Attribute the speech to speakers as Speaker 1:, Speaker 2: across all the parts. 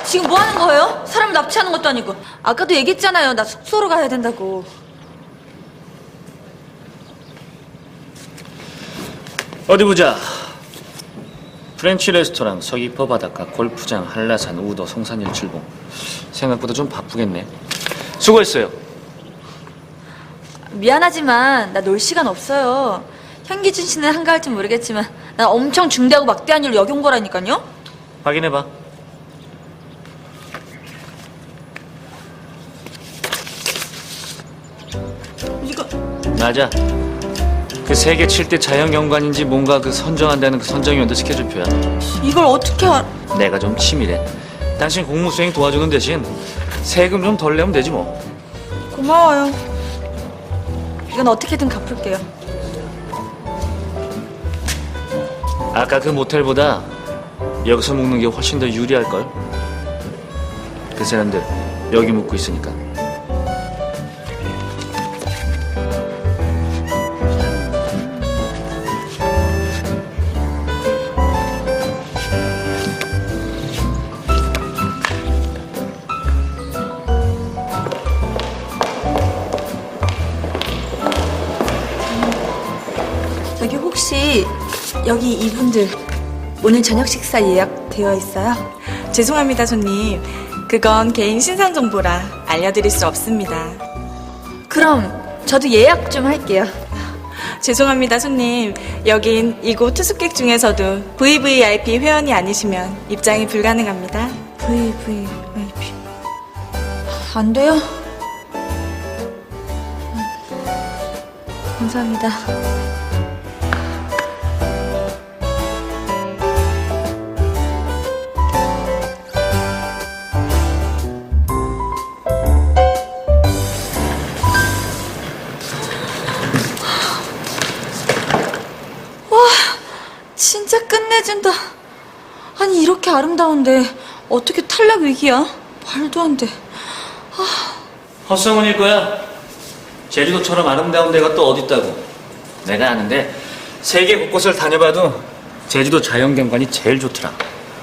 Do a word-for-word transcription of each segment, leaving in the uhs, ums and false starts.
Speaker 1: 지금 뭐 하는 거예요? 사람을 납치하는 것도 아니고. 아까도 얘기했잖아요. 나 숙소로 가야 된다고.
Speaker 2: 어디 보자. 프렌치 레스토랑, 서귀포 바닷가, 골프장, 한라산, 우도, 성산일 출봉. 생각보다 좀 바쁘겠네. 수고했어요.
Speaker 1: 미안하지만 나 놀 시간 없어요. 현기준 씨는 한가할지 모르겠지만 난 엄청 중대하고 막대한 일로 여기 온 거라니까요.
Speaker 2: 확인해봐.
Speaker 1: 이거
Speaker 2: 맞아. 그 세계 칠 대 자연경관인지 뭔가 그 선정한다는 그 선정위원들 스케줄표야.
Speaker 1: 이걸 어떻게 알...
Speaker 2: 내가 좀 치밀해. 당신 공무수행 도와주는 대신 세금 좀 덜 내면 되지 뭐.
Speaker 1: 고마워요. 이건 어떻게든 갚을게요.
Speaker 2: 아까 그 모텔보다 여기서 묵는 게 훨씬 더 유리할걸? 그 사람들 여기 묵고 있으니까.
Speaker 1: 여기 혹시 여기 이분들 오늘 저녁 식사 예약되어 있어요?
Speaker 3: 죄송합니다, 손님. 그건 개인 신상 정보라 알려드릴 수 없습니다.
Speaker 1: 그럼 저도 예약 좀 할게요.
Speaker 3: 죄송합니다, 손님. 여긴 이곳 투숙객 중에서도 브이브이아이피 회원이 아니시면 입장이 불가능합니다.
Speaker 1: 브이브이아이피 안 돼요? 감사합니다. 진짜 끝내준다. 아니 이렇게 아름다운데 어떻게 탈락 위기야? 말도 안 돼.
Speaker 2: 헛소문일 거야. 제주도처럼 아름다운 데가 또 어디 있다고. 내가 아는데 세계 곳곳을 다녀봐도 제주도 자연경관이 제일 좋더라.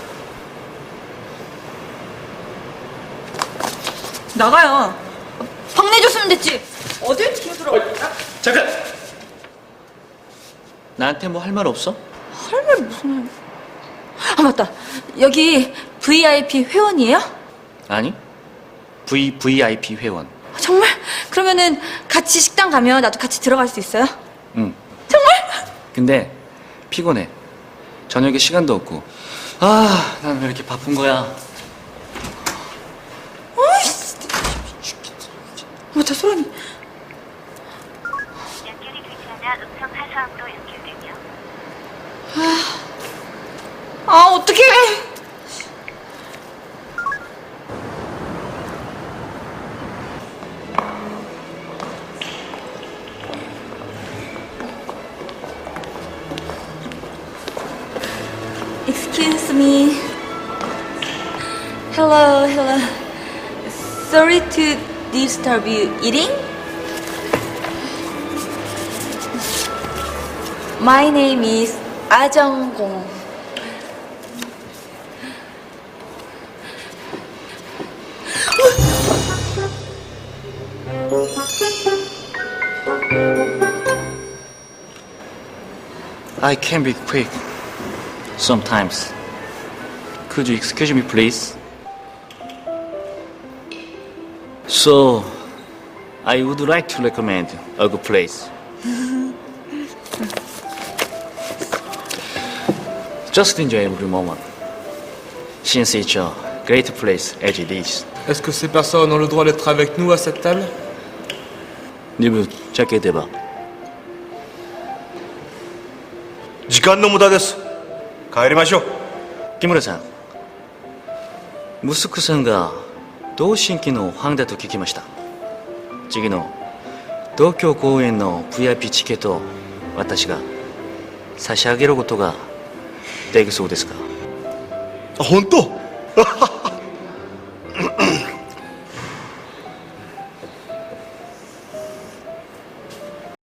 Speaker 1: 나가요. 방 내줬으면 됐지. 어딜 들어들어.
Speaker 2: 잠깐! 나한테 뭐 할 말 없어?
Speaker 1: 할 말 무슨 말. 아 맞다. 여기 브이아이피 회원이에요?
Speaker 2: 아니, 브이브이아이피 회원.
Speaker 1: 정말? 그러면은 같이 식당 가면 나도 같이 들어갈 수 있어요?
Speaker 2: 응.
Speaker 1: 정말?
Speaker 2: 근데 피곤해. 저녁에 시간도 없고. 아, 난 왜 이렇게 바쁜 거야?
Speaker 1: 어이씨. 맞다, 소란이.
Speaker 4: 연결이 되지 않아 음성 하소음으로 연결되며
Speaker 1: 아, 어떡해. Excuse me. Hello, hello. Sorry to disturb you. Eating? My name is 아정공.
Speaker 2: I can be quick. Sometimes. Could you excuse me, please? So, I would like to recommend a good place. Just enjoy every moment, since it's a great place as it is.
Speaker 5: Est-ce que ces personnes ont le droit d'être avec nous à cette table?
Speaker 2: 리뷰 짧게 대봐.
Speaker 6: 時間の無駄です。帰りましょう。
Speaker 2: 木村さん、息子さんが同心期のファンだと聞きました。次の東京公演の ブイアイピー チケットを私が差し上げることができそうですか？
Speaker 6: あ、本当？